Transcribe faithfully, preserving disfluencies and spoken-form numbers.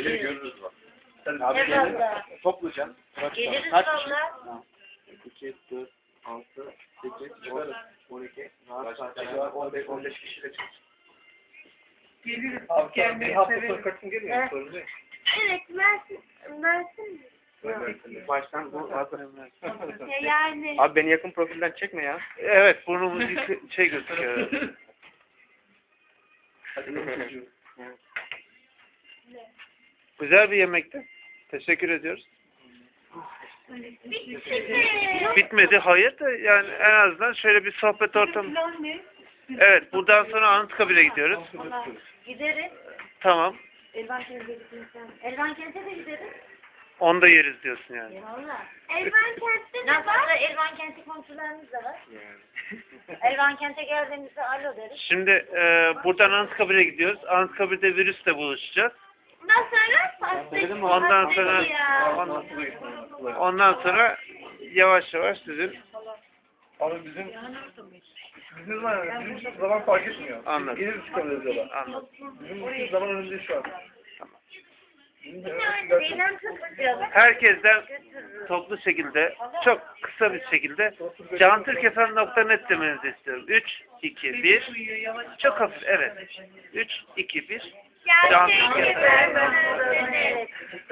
Gelir görürüz bak. Sen Abi abi gelir. gelir. Toplayacaksın. Geliriz Kaç kişi? valla. iki, dört, altı, sekiz, on, on iki, rahat kaç kişi? on beş, on beş kişiyle çıkacak. Geliriz. Abi sen bir hafta sonra kaçın geliyor. Evet. Sorun değil. Evet, Mersin. Mersin mi? Baştan bu Ya yani. Abi beni yakın profilden çekme ya. Evet, burnumuz yıkı- şey gözüküyor. Hadi benim çocuğum. Güzel bir yemekti. Teşekkür ediyoruz. Bitti. Bitmedi, hayır da yani en azından şöyle bir sohbet ortamı. Evet, buradan sonra Anıtkabir'e gidiyoruz. Valla gideriz. Tamam. Elvan Kent'e gideriz. Elvan Kent'e de gideriz. Onu da yeriz diyorsun yani. Valla. Elvan Kent'te de var. Elvan Kent'e komşularımız da var. Elvan Kent'e geldiğimizde alo deriz. Şimdi e, buradan Anıtkabir'e gidiyoruz. Anıtkabir'de virüsle buluşacağız. Ondan sonra pastayı. Ondan sonra ondan, ondan sonra yavaş yavaş sizin Abi bizim bizim zaman bizim için zaman fark etmiyor. Anladım. Geliriz çıkabiliriz yola. anladım. Bizim için zaman önünde şu an. Bizim de Zeynep tutacağız. Herkesten toplu şekilde, çok kısa bir şekilde cantürkefen nokta net demenizi istiyorum. üç, iki, bir. Çok hafif, evet. üç, iki, bir. Gerçekten. Evet.